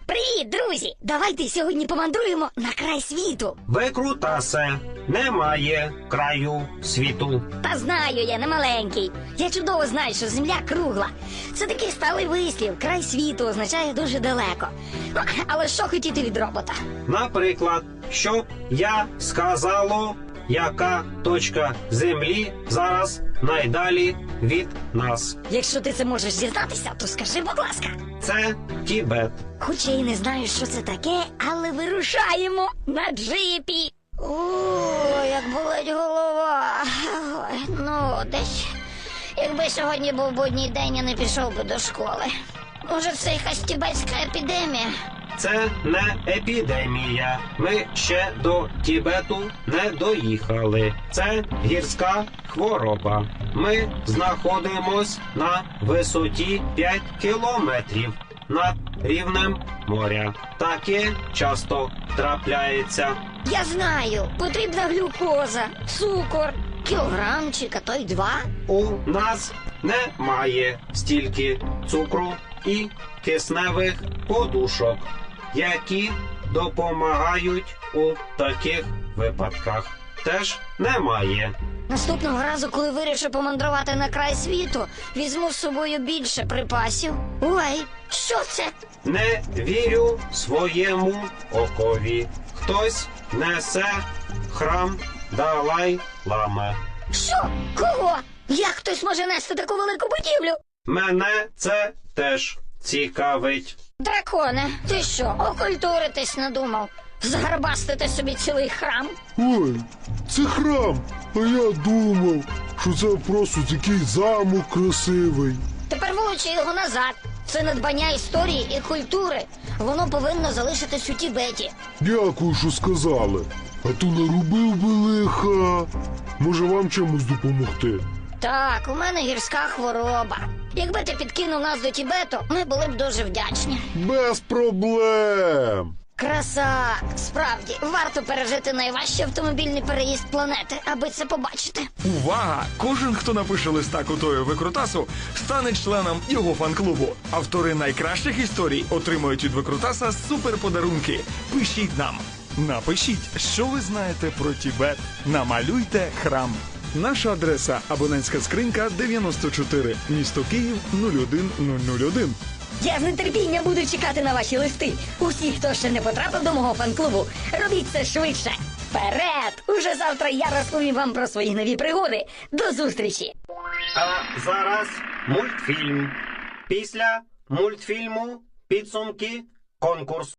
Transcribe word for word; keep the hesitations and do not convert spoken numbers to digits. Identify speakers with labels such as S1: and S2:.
S1: Привіт, друзі! Давайте сьогодні помандруємо на край світу.
S2: Викрутасе, немає краю світу.
S1: Та знаю я, не маленький. Я чудово знаю, що земля кругла. Це такий сталий вислів. Край світу означає дуже далеко. Ну, але що хотіти від робота?
S2: Наприклад, щоб я сказало, яка точка землі зараз найдалі від нас.
S1: Якщо ти це можеш дізнатися, то скажи, будь ласка.
S2: Це Тібет.
S1: Хоча й не знаю, що це таке, але вирушаємо на джипі. О, як болить голова. Ой, ну, десь. Якби сьогодні був будній день, я не пішов би до школи. Може, це якась тібетська епідемія?
S2: Це не епідемія. Ми ще до Тібету не доїхали. Це гірська хвороба. Ми знаходимось на висоті п'ять кілометрів над рівнем моря. Таке часто трапляється.
S1: Я знаю, потрібна глюкоза, цукор, кілограмчик, а то й два.
S2: У нас немає стільки цукру і кисневих подушок, які допомагають у таких випадках. Теж немає.
S1: Наступного разу, коли вирішу помандрувати на край світу, візьму з собою більше припасів. Ой, що це?
S2: Не вірю своєму окові. Хтось несе храм Далай-Лами.
S1: Що? Кого? Як хтось може нести таку велику будівлю?
S2: Мене це теж цікавить.
S1: Драконе, ти що, окультуритись надумав? Згарбастити собі цілий храм?
S3: Ой, це храм, а я думав, що це просто такий замок красивий.
S1: Тепер вилучи його назад. Це надбання історії і культури. Воно повинно залишитись у Тібеті.
S3: Дякую, що сказали. А то наробив би лиха. Може, вам чимось допомогти?
S1: Так, у мене гірська хвороба. Якби ти підкинув нас до Тібету, ми були б дуже вдячні.
S3: Без проблем.
S1: Краса! Справді, варто пережити найважчий автомобільний переїзд планети, аби це побачити.
S4: Увага! Кожен, хто напише листа Кутою Викрутасу, стане членом його фан-клубу. Автори найкращих історій отримують від Викрутаса суперподарунки. Пишіть нам. Напишіть, що ви знаєте про Тібет. Намалюйте храм. Наша адреса – абонентська скринька дев'яносто чотири, місто Київ нуль один нуль нуль один.
S1: Я з нетерпінням буду чекати на ваші листи. Усі, хто ще не потрапив до мого фан-клубу, робіть це швидше. Вперед! Уже завтра я розповім вам про свої нові пригоди. До зустрічі!
S2: А зараз мультфільм. Після мультфільму підсумки конкурсу.